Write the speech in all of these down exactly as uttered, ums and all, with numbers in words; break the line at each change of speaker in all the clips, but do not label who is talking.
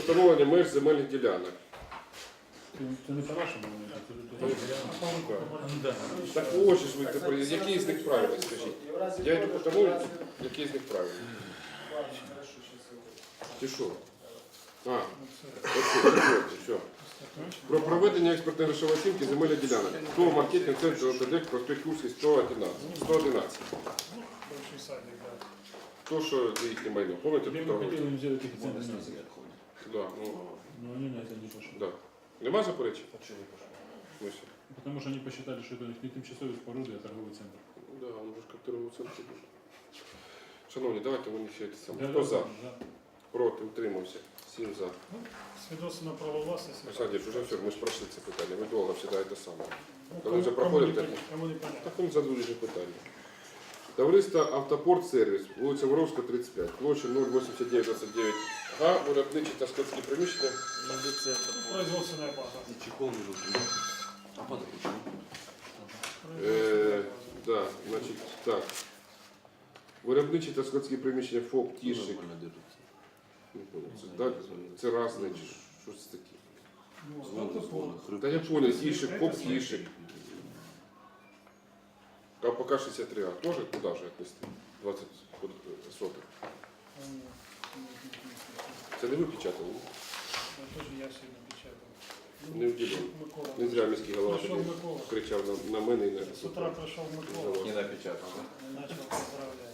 встановлення меж земельних ділянок.
Це не по-нашому,
Так ось ж ви тепер, який з них правильний, скажіть? Я йду по тому, який з них правильний. Ти що? А, оце, все. Про проведення експертно-грошової оцінки земельних ділянок. ТОВ маркетинг центр ОТД, проспект Курський, сто одинадцять. То, що це їхнє майно. Пам'ятаєте,
мы
хто?
хотели им сделать их центр.
Да, ну,
Но они на это не пошли.
да. Нема заперечень? Ну, все.
Потому что они посчитали, что это у них не тимчасовые споруды, а торговый центр.
Да, он же как торговий центр буде. Шановні, давайте вони все це саме.
Да,
Хто
да,
за?
да.
Проти, утримався. Сім за.
Свідоцтво на право власності.
Олександр, вже все, ми ж пройшли це питання. Ви довго всегда це саме.
Ну,
Коли вже
кому-
проходимо,
кому
так,
не пон- Кому не понятно.
так вони задали вже питання. Товариство Автопорт Сервіс, вулиця Воровська, тридцять п'ять, площа нуль вісімдесят дев'ять двадцять дев'ять га, виробничі та складські приміщення.
Производственная база.
Чехол лежит. А падает почему?
Е, да, значить, так. Виробничі та складські приміщення ФОП Тішик.
Нормально держится.
Не понял, це, да, це разне, чи щось таке.
Ну,
Звон,
автопорт.
звон,
Та я понял, Тішик, ФОП Тішик. КПК шістдесят три А, тоже куда же отнести? двадцять соток.
А, ні, ні, ні, ні, ні.
Це не ви печатали? ні?
Ну, теж я сьогодні печатав.
Не вділив.
Микола.
Не зря міський голова
Прийшов
тоді
Микола.
кричав на, на мене і на
З утра прийшов Микола.
Не напечатал, да?
І почав поздравляти.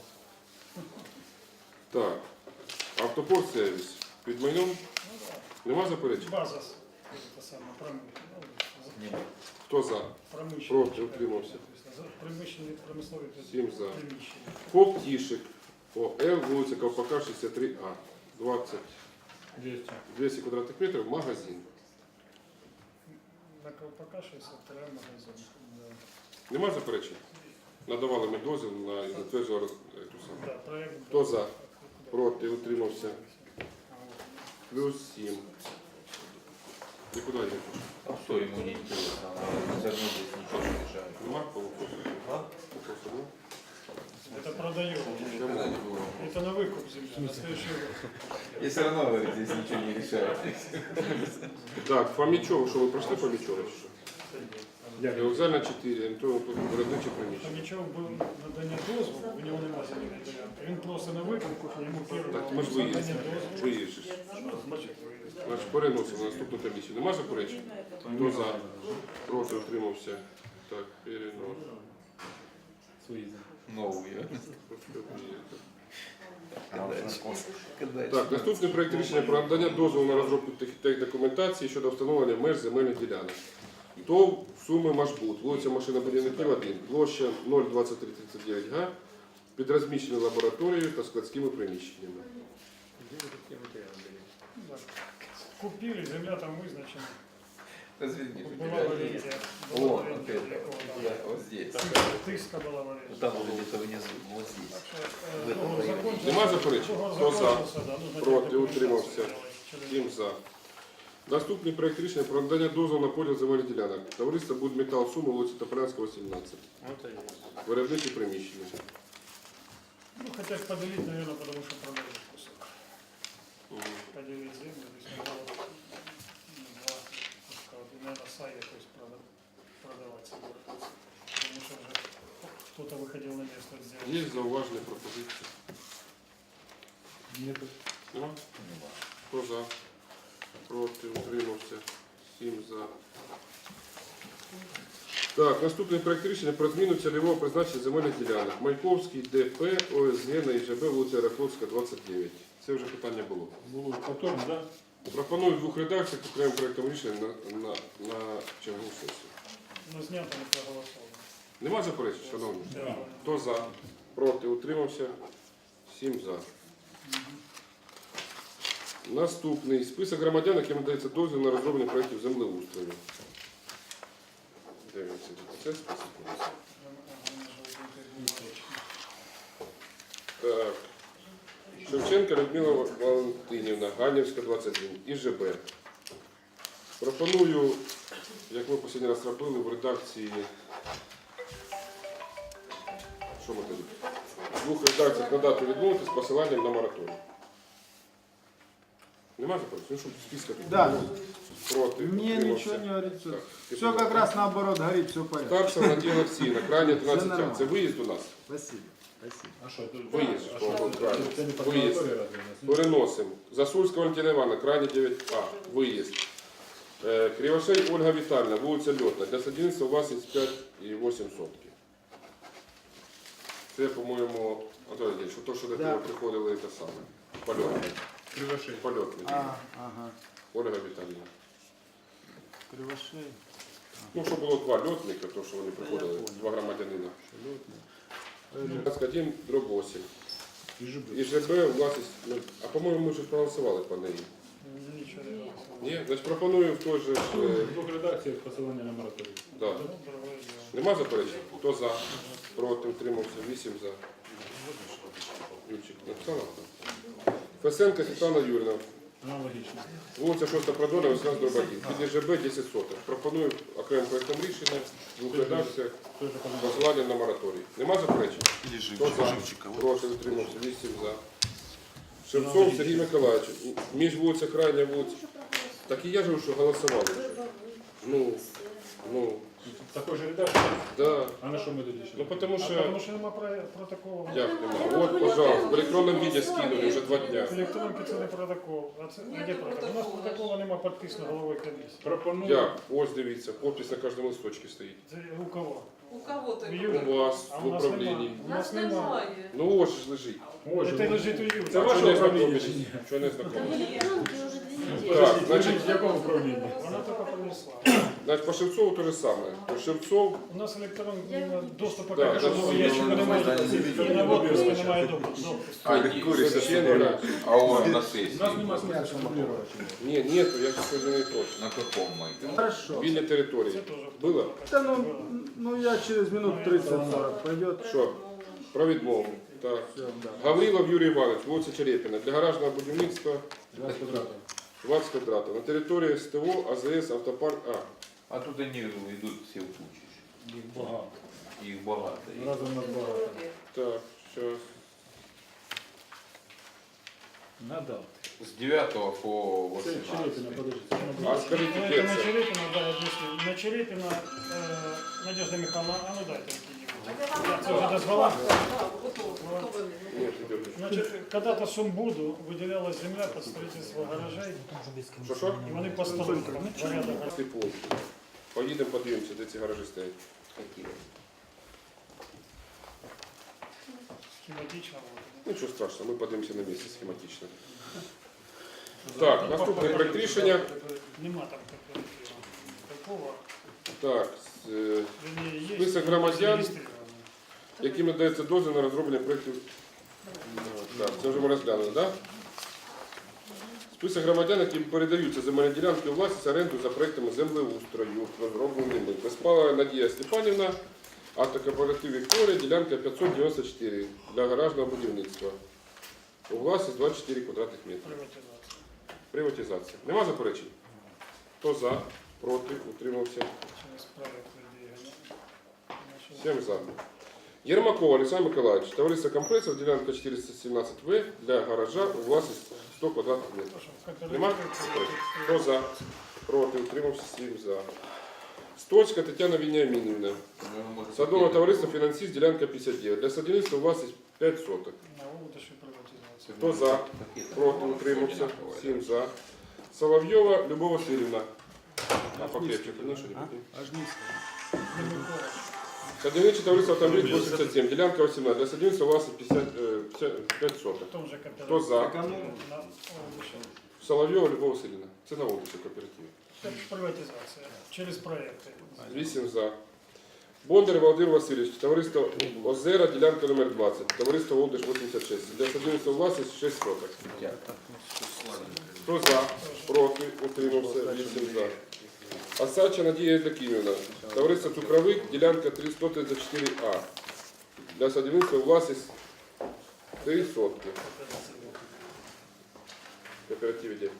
Так. Автопорт сервіс. Під майном
Ну, так.
нема заперечень?
База. с- Це саме промишлення.
Хто за?
Промишлення.
Проти, утримався.
Приміщення, промислові
Сім за.
приміщення.
ФОП Тішик. ОЛ, вулиця Ковпака, шістдесят три А. двадцять,
двести.
двісті квадратних метрів, магазин.
На Ковпака шістдесят три магазин. Да.
Нема заперечень? Надавали ми дозвіл на і затверджували роз- ету саму.
Да, проект.
Хто за? Проти, утримався. Плюс сім. Нікуди не пишу.
А что ему не интересно? Все равно здесь ничего не решает.
Нема по вопросу?
А?
Вопросу нема?
Это продаем.
Никогда не было.
Это на выкуп земли, на следующий год.
И все равно, говорит, здесь ничего не решает.
Так, Фомічов, що ви пройшли Фомічова? чи що? Вокзальна чотири, то тут виробниче приміщення.
Там нічого було надання дозволу, у нього немає земельної ділянки. Він просто на викупку, йому перше
Так, ми ж
надання
виїздимо.
дозволу.
Виїздиш.
Що значить виїзд?
Значить, переносимо на наступну комісію. Нема заперечень? Хто за? Проти, утримався. Так, перенос.
Свои.
Новую. Когда
Так, наступний проект рішення про надання дозволу на розробку тех- документації щодо встановлення меж земельних ділянок. ТОВ Суми Машбут, вулиця Машинобудівників один, площа нуль двадцять три тридцять дев'ять га, під розміщеною лабораторією та складськими приміщеннями.
Так. Купили, земля там визначена.
Извини,
Була валерія.
О,
Була
вот
валерія,
это.
якого
Да,
там.
вот здесь.
Тиска була валерія.
Там уже где-то внизу, вот здесь.
Так що, е,
В этом
договор
районі.
закончився.
Нема заперечень?
Договор
Хто за?
закончився, да, нужно
Проти,
документацію
утримався.
зробити через-
Сім за. Наступний проект рішення про надання дозволу на поділ земельних ділянок. Товариство Будметал Суми, вулиця Тополянського, сімнадцять. Виробничі приміщення.
Ну, хотят поделить, наверное, потому что продают кусок. Поделить землю, то есть надо вот, ну, два куска. Вот, и, наверное, сай якось прода- продавать собираются. Потому что уже кто-то выходил на место сделать.
Є зауваження, пропозиції?
Нет.
Нема? Хто за? Проти, утримався. Сім за. Так, наступний проект рішення про зміну цільового призначення земельних ділянок. Маяковський, ДП, ОСГ на ІЖБ, вулиця Аерофлотська, двадцять дев'ять. Це вже питання було.
Было потом, да?
Пропоную в двох редакціях окремим проектом рішення на, на, на чергову сесію.
Но снято не проголосовано.
Нема заперечень, шановні?
Да.
Хто за? Проти, утримався? Сім за. Наступний список громадян, яким надається дозвіл на розроблення проєктів землеустрою. Дивимося, це список. Так. Шевченка Людмила Валентинівна, Ганівська, двадцять один, ІЖБ. Пропоную, як ми останній раз робили, в редакції. Що ми тоді? В двох редакціях надати відмовити з посиланням на мораторій. Нема заперечень? Ну, щоб списка тут
Да.
було. Проти.
Мне
утримався.
ничего не говорится.
Так,
Все как раз наоборот горит, все в порядке.
Старцев Надія Олексіївна, крайня тринадцять А.
нормально.
Це виїзд у нас?
Спасибо. Спасибо.
А що, тут?
Виїзд.
А
Що,
що,
от правильно.
це не по
Виїзд.
санаторії разве у нас?
Переносимо. Засульська Валентина Івановна, крайня дев'ять А. Виїзд. Е, Кривошей Ольга Вітальна, вулиця Льотна. Для садівництва власність п'ять і вісім сотки. Це, по-моєму, Анатолій Леонідович, що то, що до
Да.
тебе приходили, те саме. Польотний.
Кривошей.
Польотний.
А, ага.
Ольга Віталіївна.
Кривошей.
Ну, що було два льотника, то, що вони приходили,
понял.
два громадянина.
Шелетный.
двадцять один дроб вісім.
І жиби.
І ЖБ власність, ну, а по-моєму, ми вже проголосували по неї.
Нічого не голосував.
Ні? Значить, пропоную в той же... ж, е,
В двох редакціях посилання на мораторій.
Да.
Ну, дорогое діло.
Нема заперечень? Хто за? Проти, утримався, вісім за. Юрчик, написала? Фесенко Світлана Юрівна.
Аналогічно.
Вулиця шоста Продона, вісімнадцять дроб один. Під ЖБ десять соток. Пропоную окремим проєктом рішення, в двох редакціях,
Той же позивач.
посилання на мораторій. Нема заперечень? Хто за? Проти, утримався, вісім за. Шевцов Сергій Миколаївич. Між вулиця Крайня вулиця. Так і я ж що голосували. Ну, ну,
Такої ж редакції?
да.
А на що ми тоді ще?
Ну, тому
А
що...
тому що нема про- протоколу.
Як нема? От, пожалуйста, в електронному віді скинули вже два дня.
Електронки це не протокол. А це а де протокол? У нас протоколу нема підписано головою комісії.
Пропоную.
Як? Ось дивіться, подпись на кожному листочці стоїть.
Це у кого?
У кого то?
У
У
Юрі.
вас,
А
в
у нас
управлінні.
нема. У нас
Нас
нема.
немає.
Ну ось ж лежить.
Ось
Це
же.
лежить у Юрі.
Це
А
ваше
що не
управління
знайомились?
чи ні?
Що не знайомились?
Електронки вже дві неділі.
Так,
Значить,
значить,
в якому управлінні?
Вона тільки принесла.
значить, по Шевцову те же саме. По Шевцов,
У нас електронний доступу
Да,
до
да,
кожного
да,
ящика
да,
немає.
да, да,
І на
да,
відпуску
да,
немає
да,
допуску.
священник.
А он на сессии.
У нас немає смисла сформулювати.
Ні, нету, я скажу не точно.
На каком майке?
Хорошо.
Вільні
Це
території.
теж.
Було?
Да ну, ну я через минут тридцать-сорок пойдет.
Що? Про відмову. Так.
Все, да.
Гаврилов Юрій Іванович, вулиця Черепіна. Для гаражного будівництва
двадцять квадратів.
двадцять квадратів. На території СТО, АЗС, автопарк А.
А тут они идут все в кучу.
Їх багато.
Их багато.
Разом нас багато.
Так, зараз.
Надав.
С девятого по
Це Черепіна,
восемнадцатый.
подожди. Це
А
надав.
скажіть,
Ну,
де
это на
це?
Черепина, да, объясню. На Черепина, э, Надежда Михайловна, а ну дайте какие-нибудь. Це вже дозвола.
Ні, ти дивишся.
Значит, когда-то Сумбуду выделялась земля под строительство гаражей,
Що, що?
і вони поставили там порядок.
Ти пункт. Поїдемо, подивимося, де ці гаражі стоять.
Схематично. вот.
Ну, нічого страшного, ми подивимося на місці схематично. Так, наступний проект рішення.
Нема там кооператива. Такого,
Так, з, е,
вернее, есть.
Список
но
громадян.
зарегистрированы.
яким надається дозвіл на розроблення проєктів. Так, це вже ми розглянули, так? Список громадян, яким передаються земельні ділянки у власність оренду за проєктами землеустрою, розробленими. Безпалова Надія Степанівна, автокооператив Вікторія, ділянка п'ятсот дев'яносто чотири для гаражного будівництва. У власність двадцять чотири квадратних метри.
Приватизация.
Приватизація. Нема заперечень? Хто за? Проти? Утримався?
Через проект двигания. Значит,
Всім за. Єрмаков Олександр Миколаївич, товариство компресор, ділянка чотириста сімнадцять В для гаража у власність сто квадратних метрів.
потому что в кооперативе
Нема?
это-
Хто за? Проти? Утримався? сім за. Стольська Тетяна Веніамінівна. Садове товариство фінансист, ділянка п'ятдесят дев'ять. Для садівництва у власність п'ять соток.
На удачу приватизация.
Хто за? Проти? Утримався? сім за. Соловйова Любов Васильівна. А покрепче, конечно, не буде. Садівниче товариство автомобіль вісімдесят сім, ділянка вісімнадцять. Для садівництва у власність п'ятдесят, е, п'ятдесят п'ять соток.
В том же кооперативе.
Хто за?
На удачу.
Соловйова Любов Васильівна. Це на вулиці кооперативі.
Это приватизация. Через проекты.
вісім за. Бондар Володимир Васильович, товариство Озера, ділянка номер двадцять, товариство Волдиш вісімдесят шість. Для садівництва власність шість соток. Хто за? Проти? Утримався? вісім за. Осадча Надія Євдокимівна, товариство Цукровик, ділянка триста тридцять чотири А. Для садівництва власність три сотки. Кооператив де?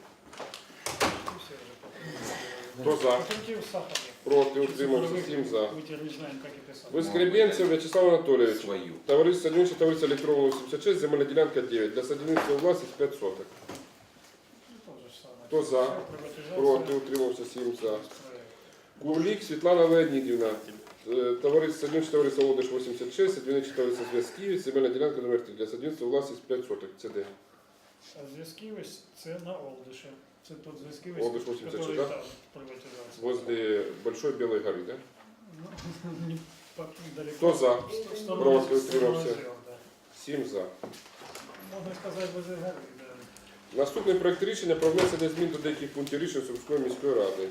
Хто за?
Кооператив Сахаров.
Проти? Утримався? сім за.
Мы теперь не знаем, как и писать.
Воскребенцев Вячеслав Анатолійович.
Свою.
Товариство садівниче товариство електронного вісімдесят шість, земельна ділянка дев'ять. Для садівництва власність п'ять соток.
Тоже
Хто за?
Приватизація.
Проти, утримався, сім за.
Проект.
Курлік Світлана Леонідівна. Е, Товариство Садівниче товариство Олдиш вісімдесят шість, Садівниче товариство Зв'язківець, земельна ділянка номер три для садівництва власність п'ять соток. Це де?
А зв'язківець це на Олдиші. Це тут зв'язківець,
Олдиш вісімдесят шість,
який
да?
там приватизація.
Возле Большой Белой горы, да?
Ну, не так далеко.
Хто за?
В сторону-
Проти,
в сторону
утримався.
озер, да.
Сім за.
Можна сказати, возле гори, да.
Наступний проект рішення про внесення змін до деяких пунктів рішень Сумської міської ради.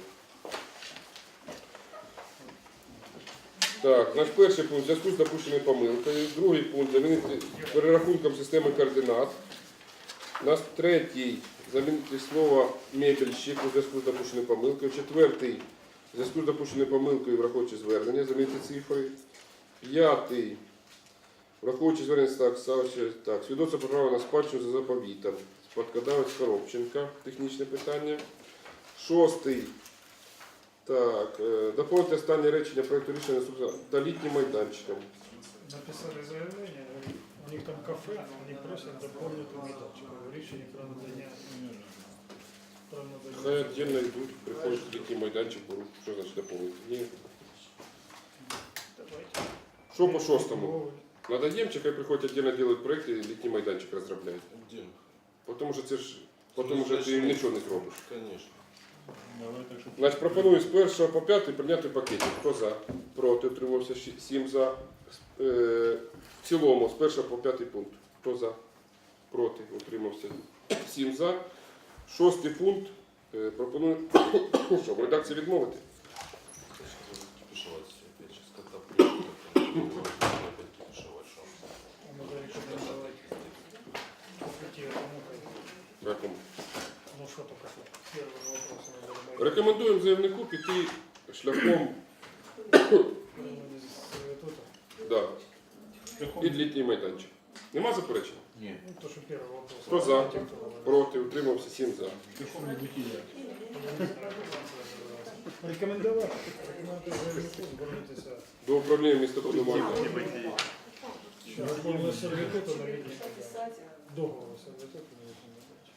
Так, наш перший пункт в зв'язку з допущеною помилкою. Другий пункт замінити перерахунком системи координат. Наш третій замінити слово мебельщик у зв'язку з допущеною помилкою. Четвертий в зв'язку з допущеною помилкою, враховуючи звернення, замінити цифри. П'ятий. Враховуючи звернення так, ставиться так, свідоцтво про право на спадщину за заповітом. Спадкодавець Коробченка, технічне питання. Шостий. Так, е, доповнити останнє речення проекту рішення наступного та літнім майданчиком.
Написали заявлення, у них там кафе, вони просять доповнити майданчик. Рішення про надання. Про
Хай
надання.
віддільно йдуть, приходять літній майданчик, беруть. Що значить доповнити? Ні.
Давайте.
Що по шостому? Надаємо, чи хай приходять віддільно роблять проєкти і літній майданчик розробляють?
Один.
Тому що це ж, тому що ти нічого не зробиш.
Конечно.
Давай так, щоб...
Значить, пропоную з першого по п'ятий прийняти пакеті. Хто за? Проти, утримався сім за. Е, в цілому, з першого по п'ятий пункт. Хто за? Проти, утримався сім за. Шостий пункт. Е, пропоную, що, в редакції відмовити?
Кипишевать все опять. Сейчас когда приедет, опять кипишевать. Что?
Можно рекомендовать пойти кому-то.
Якому?
Ну что только что. Первый вопрос. надо добавить.
Рекомендуємо заявнику піти шляхом
Института.
да, під літній майданчик. Нема заперечень?
Нет.
Ну, то, что первый вопрос.
Хто за?
Давайте, кто добавит.
Проти, утримався сім за.
Пішов не бутіля.
Рекомендовать. Рекомендовать заявнику звернутися.
До управління містобудування.
Договор сервітуту на літній майданчик. Договор сервітуту на літній майданчик.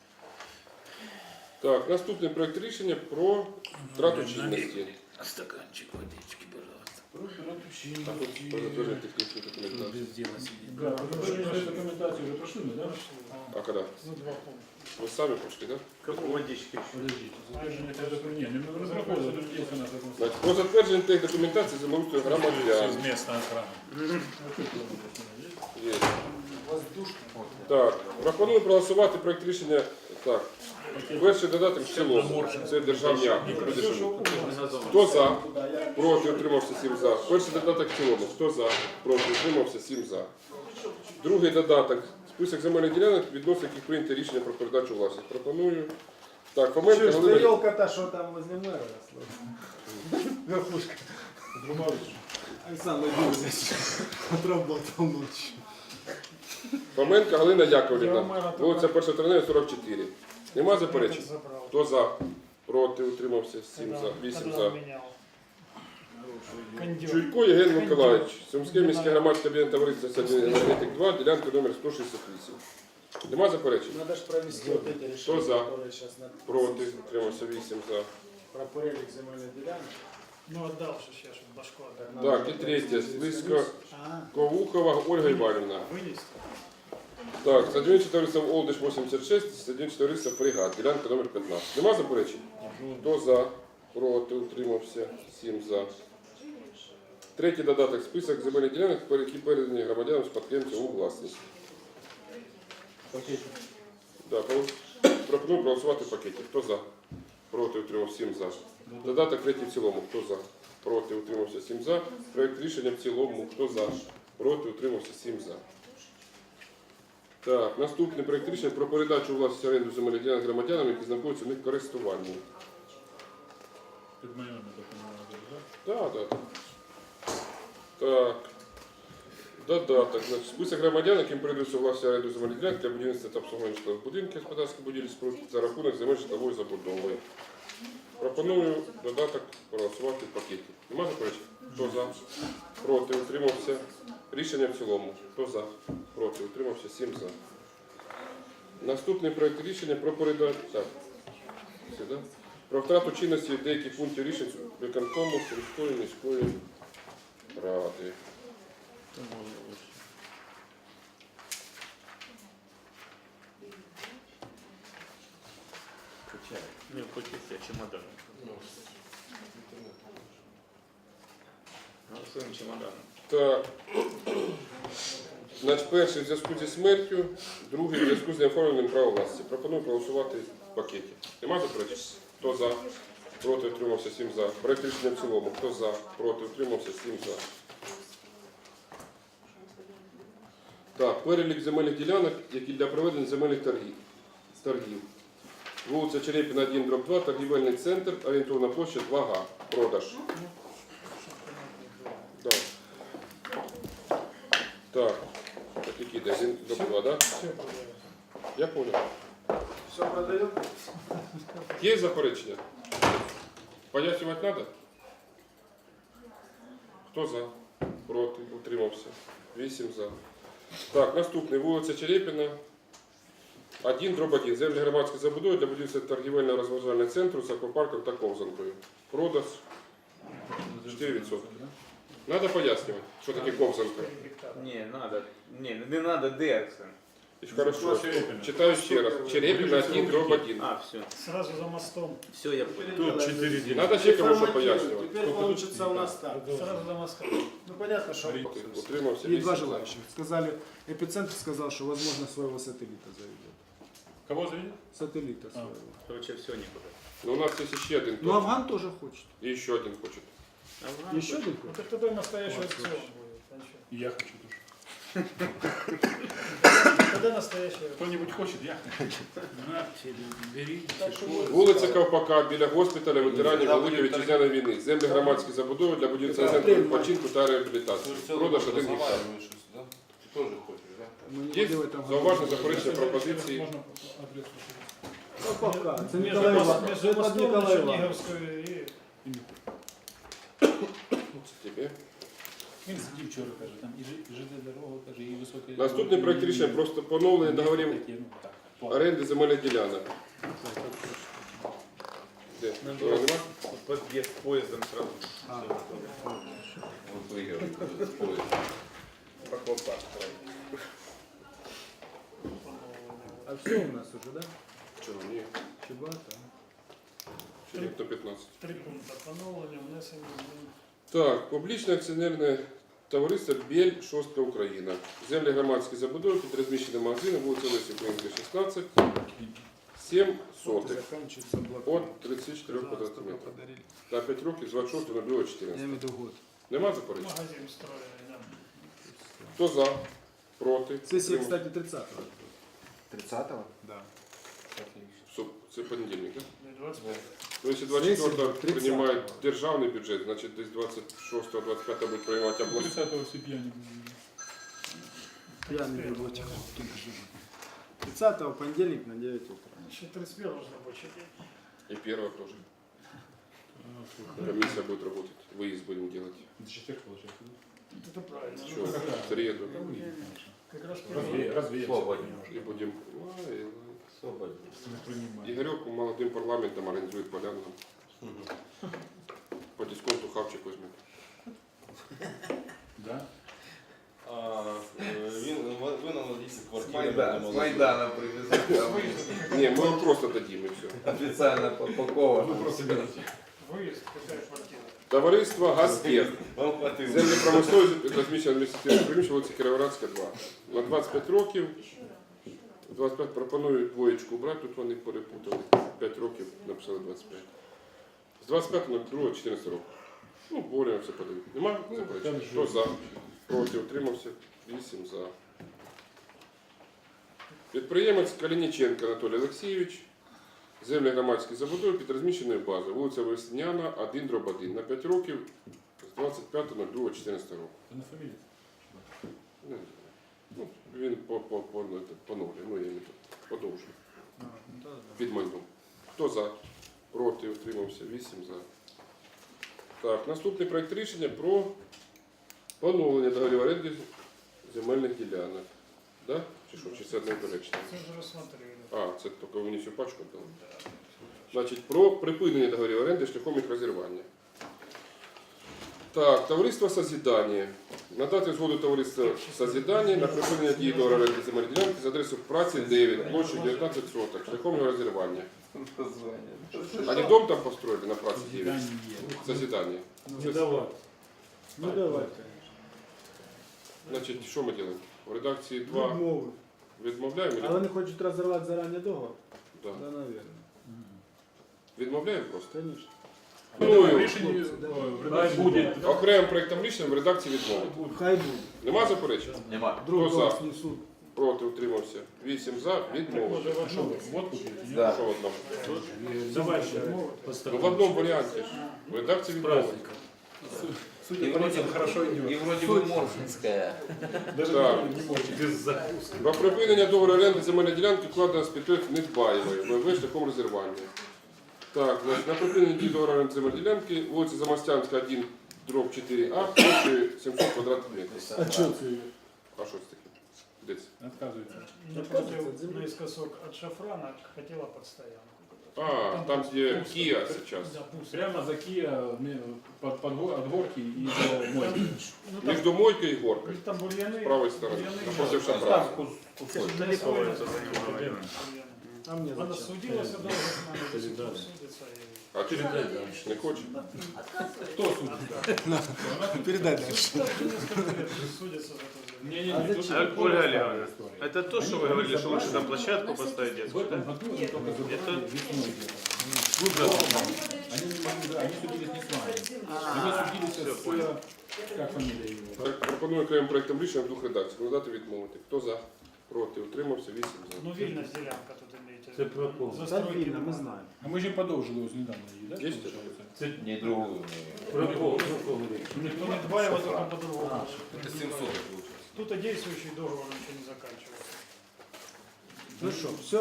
Так, наступний проект рішення про втрату чинності.
Стаканчик водички, пожалуйста.
Так, от затвердження технічної документації.
Без дела сидит.
Да, ви документацію вже пройшли, ми, да?
А коли?
Ну, два пункта.
Ви самі пішли, так?
Кому водички?
Подождіть, затвердження тех документів. Ні, ми не проходили, тут є у нас закон.
Значить, про затвердження тих документації землеустрою громадян.
Совместная охрана.
Є. Так, пропоную проголосувати проект рішення. Так, перший додаток в цілому. Це державні акти. Хто за? Проти, утримався сім за. Перший додаток в цілому. Хто за? Проти, утримався сім за. Другий додаток. Список земельних ділянок, відносно яких прийнято рішення про передачу власність. Пропоную. Так, Фоменко,
Чуєш, ти
Галина.
елка-то, що там возле мэра росла? Верхушка.
Друмавич.
Александр Юрьевич отработал ночью.
Фоменко Галина
Я
Яковлівна.
у мене
Вулиця перша травнева, сорок чотири. Нема заперечень?
Этот забрал.
Хто за? Проти, утримався сім
Когда-
за. вісім
когда
за.
он менял. Кондер.
Чуйко Євген Миколаївич, Сумське міське громадське об'єднання товариства «Садівний енергетик два», ділянка номер сто шістдесят вісім. Нема заперечень?
Надо же провести вот эти
Кто
решения,
за?
которые сейчас на...
Проти, утримався вісім за.
Про перелік земельних ділянок.
Ну, отдал же сейчас, чтобы башку отдал.
Так, і третє. Слизько
А,
Ковухова Ольга Іванівна.
Вынести.
Так, Садівниче товариство Олдиш вісімдесят шість, Садівниче товариство Фрегат, ділянка номер п'ятнадцять. Нема заперечень? Хто за? Проти, утримався сім за. Третій додаток. Список земельних ділянок, які передані громадянам спадкоємцям у власність. Да, пропоную проголосувати в пакеті. Хто за? Проти, утримався сім за. Додаток третій в цілому. Хто за? Проти, утримався сім за. Проект рішення в цілому. Хто за? Проти, утримався сім за. Так, наступний проект рішення про передачу у власність оренду земельних ділянок громадянам, які знаходяться в них в користуванні.
Під моїми документами,
Так,
так?
так. Так. Додаток. Значить, список громадян, яким передаються власність оренду земельних ділянок для будівництва та обслуговування житлових будинків, господарських будівель споруд за рахунок земель житлової забудови. Пропоную додаток проголосувати в пакеті. Нема заперечень? Хто за? Проти, утримався. Рішення в цілому. Хто за? Проти, утримався. сім за. Наступний проект рішення про передачу. Так. Все, да? Про втрату чинності деяких пунктів рішень виконкому Сумської міської ради.
Не, хочется чемодан. Голосуем чемоданом.
Так. Значить, перший в зв'язку зі смертю, другий в зв'язку з неоформленням права власності. Пропоную проголосувати в пакеті. Нема заперечень? Хто за? Проти, утримався, сім за. Проект рішення в цілому. Хто за? Проти, утримався, сім за. Так, перелік земельних ділянок, які для проведення земельних торгів. торгів. Вулиця Черепіна, один, дроб два, торгівельний центр, орієнтовна площа два га. Продаж. Так. Так. Так, який де? один, дроб два, да?
Все продается.
Я понял.
Все продает?
Є заперечення? Пояснювати треба? Хто за? Проти? Утримався. Вісім за. Так, наступний. Вулиця Черепіна. один, дроб один. Землі громадської забудови для будівництва торгівельно-розважального центру з аквапарком та ковзанкою. Продаж чотири відсотки. Надо пояснювати, що таке ковзанка.
четыре гектара.
Не, надо. Не, не надо декса.
Хорошо. Читаю ще раз. Черепіна, один, дроб один.
А, все.
Сразу за мостом.
Все, я понял.
Тут четыре дня.
Надо ще кому що пояснювати.
Теперь получится у нас так.
Сразу за мостом.
Ну понятно, что
Утримався.
и два
вісім за.
желающих. Сказали, эпицентр сказал, что возможно своего сателлита заведет.
Кого заведет?
Сателлита своего.
Короче, все никуда.
Ну, у нас есть еще один.
Ну
топ.
Афган тоже хочет.
И еще один хочет.
Афган
Еще один
Вот
хочет?
это тогда настоящий аукцион будет. а чё?
И я хочу тоже.
Тогда настоящий аукцион.
Кто-нибудь хочет, я хочу. На, бери.
Так что
Вулиця Ковпака біля госпіталя ветеранів Великої Вітчизняної війни. Землі громадські забудови для будівництва центру відпочинку та реабілітації. Продаж один гектар.
Тоже хочешь, да?
Мы не
Є
будем в этом
зауваження, заперечення, пропозиції.
Можно адрес
Ну, пока. Это
между,
Николай
мост-
Иванович.
между
Это
мостом
Николай
на
Иванович.
Черниговскую и...
Тебе.
Він сидів вчора, каже, там і Ж- і ЖД дорога, каже, і високе.
Наступний проект рішення про поновлення договорів
Таке, ну, так, по-
оренди земельних ділянок. Де? Того нема?
Подъезд поездом сразу.
А.
Всё готово.
Вот выиграл.
Прокопа.
А все у нас уже, да?
Чого? Ні.
Чебата.
Ще ніхто п'ятнадцять.
Три пункта. Поновлення, внесення змін.
Так, публічне акціонерне товариство «Бель», Шостка, Україна. Землі громадські забудови під розміщеним магазином, вулиця Лесі Українська, шістнадцять, сім сотих.
Заканчивается блокнот.
От тридцять чотири квадратних
Пожалуйста,
метрів.
подарили.
На п'ять років з двадцять шостого на
Я
чотирнадцять.
имею в виду год.
Нема заперечень?
Магазин строили, да.
Хто за? Проти?
Сессия,
Утримався?
кстати, тридцатого.
тридцатого?
Да.
Стоп, це понедільник, так?
Не двадцать пять.
Ну, якщо двадцять четвертого
тридцятого.
приймають державний бюджет, значить десь двадцять шостого двадцять п'ятого будуть приймати обласні.
тридцатого всі п'яні були.
Я не буду этих. тридцатого понедельник на девять утра.
Еще тридцать первого же рабочий день.
И первого тоже.
А, слухай,
Комиссия будет работать. Выезд будем делать.
до четверг, получается, да?
Это правильно.
Что?
Ну,
В среду.
как раз
Разве,
первый.
разве
Свободен.
И будем... Ой,
Свободен.
Не принимаю.
Игорек молодым парламентом организует поляну. По дисконту хавчик возьмет.
Да?
А, е, він ви нам надійся
С
квартиру.
Майдана, с Майдана привезли.
Не, мы вам просто дадим и все.
Официально попаковано.
Вы просто берете.
Выезд, какая квартира?
Товариство «Газтех».
Вам хватило.
Землі промислові розміщення адміністративних приміщень вулиці Кіровоградська, два. На двадцять п'ять років. двадцять п'ять пропоную двоєчку брати, тут вони перепутали. п'ять років написали двадцять п'ять. З двадцять п'ятого на другого чотирнадцять років. Ну, боремо все подають. Нема? Заперечень? Хто за? Проти, утримався? вісім за. Підприємець Калініченко Анатолій Олексійович. Землі громадські забудови під розміщеною базою. Вулиця Весняна, один дроб один. На п'ять років з двадцять п'ятого на другого чотирнадцять року.
Это на фамилию.
Не знаю. Ну, він по, по, по, ну, це, поновлює, ну я не тут, подовжує.
А, ну да, да.
Під майном. Хто за? Проти, утримався, вісім за. Так, наступний проект рішення про поновлення договорів оренди земельних ділянок. Да? Чи що? Чи це одне полегшення?
Це вже розсмотрели.
А, це тільки ви не всю пачку дали? Значить, про припинення договорів оренди шляхом їх розірвання. Так, товариство «Созидання». Надати згоду товариства «Созидання» на припинення дії договору оренди земельної ділянки з адресою праці дев'ять, площею дев'ятнадцять соток, шляхом його розірвання. Они дом там построили на праці дев'ять? «Созидання».
Не давай. Ну давай.
Значить, що ми робимо? В редакції два
Відмови.
відмовляємо?
А вони хочуть розірвати зарані договор?
Да.
Да, наверное.
Відмовляємо просто.
Конечно.
Ну,
В рішенні в редакції буде.
Окремим проєктом рішення в редакції відмови.
Хай буде.
Нема заперечень?
Нема.
Друг
Хто
друга
за?
снесут.
Проти, утримався. вісім за, відмови.
Що, водку п'єте, ні?
Да.
Що в одному?
Давай ще.
Ну, в одному варіанті ж. В редакції відмови.
И вроде, и вроде бы Морфинская.
Так. Про припинення договору оренди земельної ділянки вкладено з підприємств Недбаєвої, ВВ шляхом розірвання. Так, значить, на припинення дії договору оренди земельної ділянки вулиця Замостянська, один, дроб чотири А, площею сімсот квадратних метрів.
А что це?
А що це таке? Де це?
Отказується.
Напротив, наискосок от шафрана хотела под стоянку.
А, там, где Kia сейчас.
Да, пусто.
Прямо за Кия под, под, го- от горки и до мойки.
Ну, там,
Между мойкой и горкой.
там бурьяны.
С правой стороны.
бурьяны,
Напротив
да.
шафрана.
Далеко это занимает.
А мне
Она
зачем?
судилась долго с нами, до сих пор судится. и-
А ты не хочешь?
Кто судит?
Передай дальше.
Так, уже несколько лет судятся за это.
Не, не,
А
не.
зачем?
тут
Ольга
другая
Олеговна,
история.
Это то, что вы говорили, что лучше там площадку поставить
В
детскую,
этом
да?
году они только забрали
Это-
весной дело. Они не могли, да, они судились не с нами. Они судились с, как фамилия его?
Так, пропоную окремим проєктом рішення в двох редакціях. Надати відмовити. Хто за? Проти. Утримався. Вісім за.
Ну, вільність ділянка тут імеється.
Це про кого?
Да,
Застройки
видно, мы
немає.
знаем.
А мы же подолжили его недавно, да?
Есть
получается?
Не другую.
Про кого? Про кого?
Ну, не Дбаева, только по-другому.
Это семьсот получилось.
Тут и действующий договор ничего не заканчивается.
Ну что, все?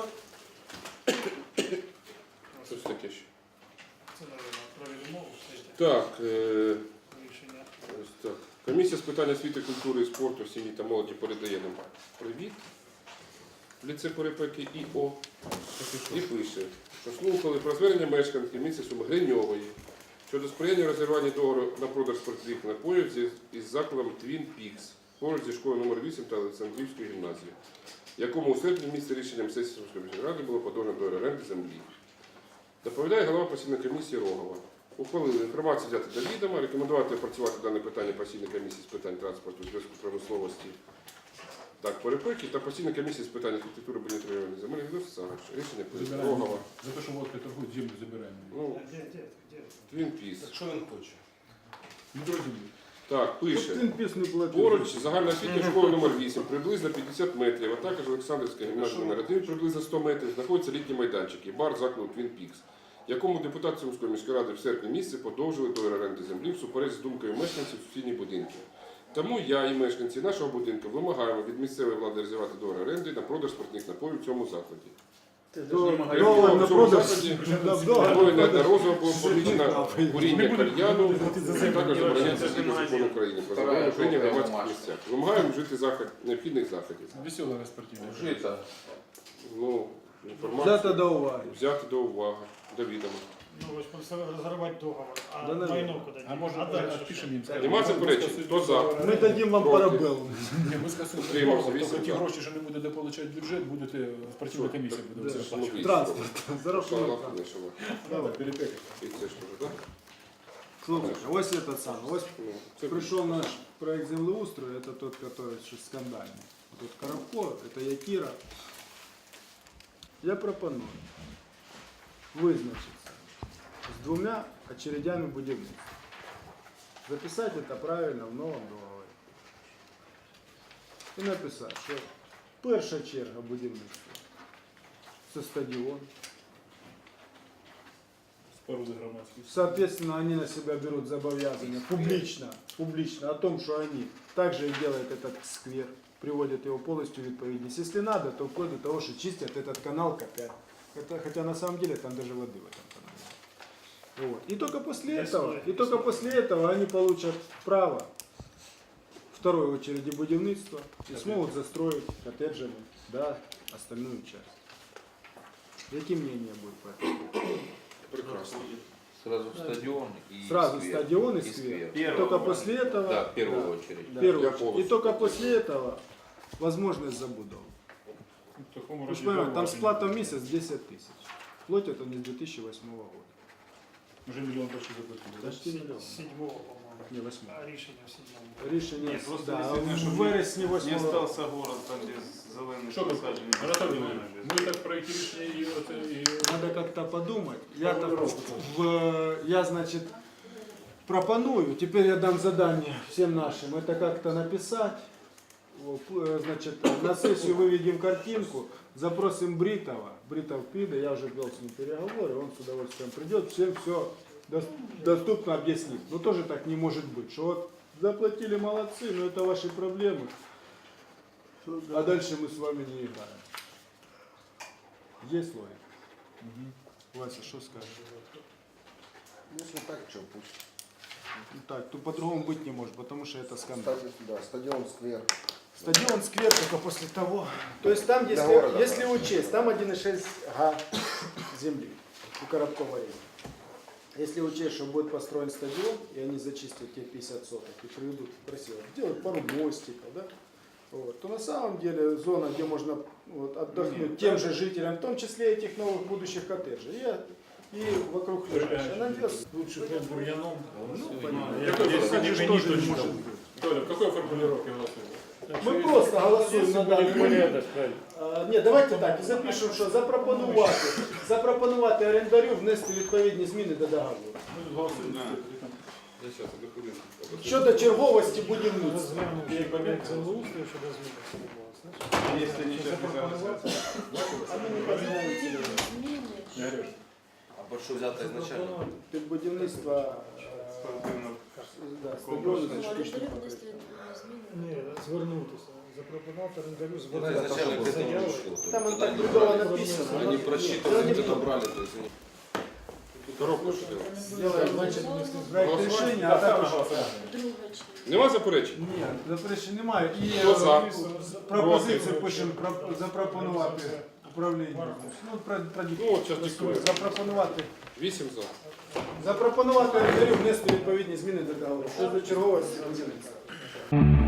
Що це таке ще?
Це, наверное, про відмову, кстати,
Так, е,
рішення.
ось так. Комісія з питань освіти, культури і спорту, сім'ї та молоді передає нам привіт. В ліце Перепеки ІО. І пише, що слухали про звернення мешканки місця Суми Гриньової щодо сприяння розірвання договору на продаж спиртних напоїв зі- із закладом Twin Peaks поруч зі школою номер вісім та Олександрівської гімназії, якому у серпні місці рішенням сесії Сумської міської ради було подано договір оренди землі. Доповідає голова постійної комісії Рогова. Ухвалили інформацію взяти до відома, рекомендувати опрацювати дане питання постійної комісії з питань транспорту, зв'язку промисловості, так, Перепеки та постійної комісії з питань архітектури, будівництва районних земельних відносин. Рішення прийнято.
Забираем.
Рогова.
За то, что водка торгует, землю забираем.
Ну,
Де, де, де?
Twin Peaks.
Так що він хоче?
Не друзья.
Так, пише.
Тут пис не платил.
Поруч загальноосвітня школа номер вісім, приблизно п'ятдесят метрів, а також Олександрівська гімназія номер один, приблизно сто метрів, знаходиться літній майданчик і бар закладу Twin Peaks, якому депутати Сумської міської ради в серпні місяці подовжили договір оренди землі всупереч з думкою мешканців сусідніх будинків. Тому я і мешканці нашого будинку вимагаємо від місцевої влади розірвати договір оренди на продаж спиртних напоїв в цьому закладі.
Договор на
В цьому
продаж.
закладі
Договор
Двоє
на продаж.
неодноразово було помічено куріння кальяну, а також забороняється згідно закону України про заборону куріння в громадських місцях. Вимагаємо вжити захід, необхідних заходів.
Веселая спортивная.
Жито.
Ну, інформацію
Взято до уваги.
взяти до уваги, до відома.
Ну, ось просто розривати договор, а
Да, наверное.
майно куди
А может,
а дальше
отпишем им, скажем.
Нема заперечень? Хто за?
Ми дадим вам
Проти.
парабеллум.
Не, ми скасуємо.
Утримався,
Тобто
вісім
ті
за.
гроші, що не буде дополучати бюджет, будете спортивна комісія буде
Да.
заплачувати.
Транспорт. За рахунок.
Шалах, не шалах.
Давай.
Перепека.
І це ж теж, так?
Слушай, ось этот самый. Ось
Ну, це
пришел наш проект землеустрою, это тот, который еще скандальный. Тут Коробко, это Якира. Я пропоную вызначиться с двумя очередями будівництва. Записать это правильно в новом договоре. І написати, що перша черга будівництва це стадіон.
Споруди громадські.
Соответственно, они на себя берут зобовязания публично, публично о том, что они также и делают этот сквер, приводят его полностью в відповідність. Если надо, то вплоть до того, что чистят этот канал копят. Это, хотя на самом деле там даже воды в этом канале. Вот. И только после этого, и только после этого они получат право второй очереди будівництва и смогут застроить коттеджами, да, остальную часть. Какие мнения будет по этому?
Прекрасно.
Сразу стадион и
Сразу
сквер.
стадион и
И
сквер.
сквер.
Только после этого...
Да, в первую
да,
очередь.
в первую
Я
очередь.
полностью
И только
согласен.
после этого возможность забудов.
В такому
Вы
раді
же понимаете, там
зауваження.
сплата в месяц десять тысяч. Платят они с две тысячи восьмого года.
Вже мільйон почти заплатили, так?
Почти миллион.
Седьмого, по-моєму.
Не, восьмого.
А рішення в седьмому.
Рішення,
Ні, просто
да,
дійсно,
в
щоб
вересні
Не
восьмого року.
остався город, там, де зелений
Що ви
посаджений.
Анатолій Леонідович, ми так проєкт рішення і оце і...
Надо как-то подумать. Я, так, в, я, значит, пропоную, теперь я дам задание всем нашим, это как-то написать, вот, э, значит, на сессию выведем картинку, запросим Бритова, Бритов придет, я уже вел с ним переговоры, он с удовольствием придет, всем все доступно объяснит. Но тоже так не может быть, что вот заплатили, молодцы, но это ваши проблемы, а дальше мы с вами не играем. Есть логика? Вася, что скажешь?
Если так, что пусть.
Ну так, то по-другому быть не может, потому что это скандал.
Ставить, да, стадион, сквер.
Стадион, сквер только после того. То есть там,
Для
если,
города,
если
да.
учесть, там один и шесть га земли у Коробкова есть. Если учесть, что будет построен стадион, и они зачистят те пятьдесят соток и приведут красиво, делают пару мостиков, да? Вот, то на самом деле зона, где можно вот, отдохнуть тем же жителям, в том числе этих новых будущих коттеджей, и, и вокруг лежащих. Она делает-
Лучше перед бур'яном.
Ну,
А,
понятно.
як
Это
десь
тоже
не
тоже не
точно.
может быть.
Толя, в какой формулировке голосуємо?
Ми просто голосуємо на даний момент.
Правильно.
А, ні, давайте так, і запишемо, що запропонувати, запропонувати орендарю внести відповідні зміни до договору.
Ми тут голосуємо.
Я сейчас до хвилинки.
Щодо черговості будівництва.
Розглянути як об'єкт землеустрою щодо зміни цього.
Якщо нічого не залишиться.
А ми не познаємо.
Я говорю,
А под что взято изначально?
Під будівництво е,
Спортивно.
да, стадіону це штучно покриття.
Ні, звернутися. Запропонувати орендарю
Ну,
звернутися.
изначально к этому
Заяву.
решил.
Там он
Тогда
так
не
другого
брали.
написано.
Они
но-
просчитывали,
но не
где-то
то.
брали, то есть они...
Коробку що делать?
Сделаем, значить, проект
Голосувати?
рішення, а також...
Нема заперечень?
Ні, заперечень немає. І
Хто за?
е, пропозицію пишемо про- запропонувати управління. Ну, про, про,
Ну, от зараз диктую.
запропонувати.
Вісім за.
Запропонувати орендарю внести відповідні зміни до договору. Щодо черговості будівництва.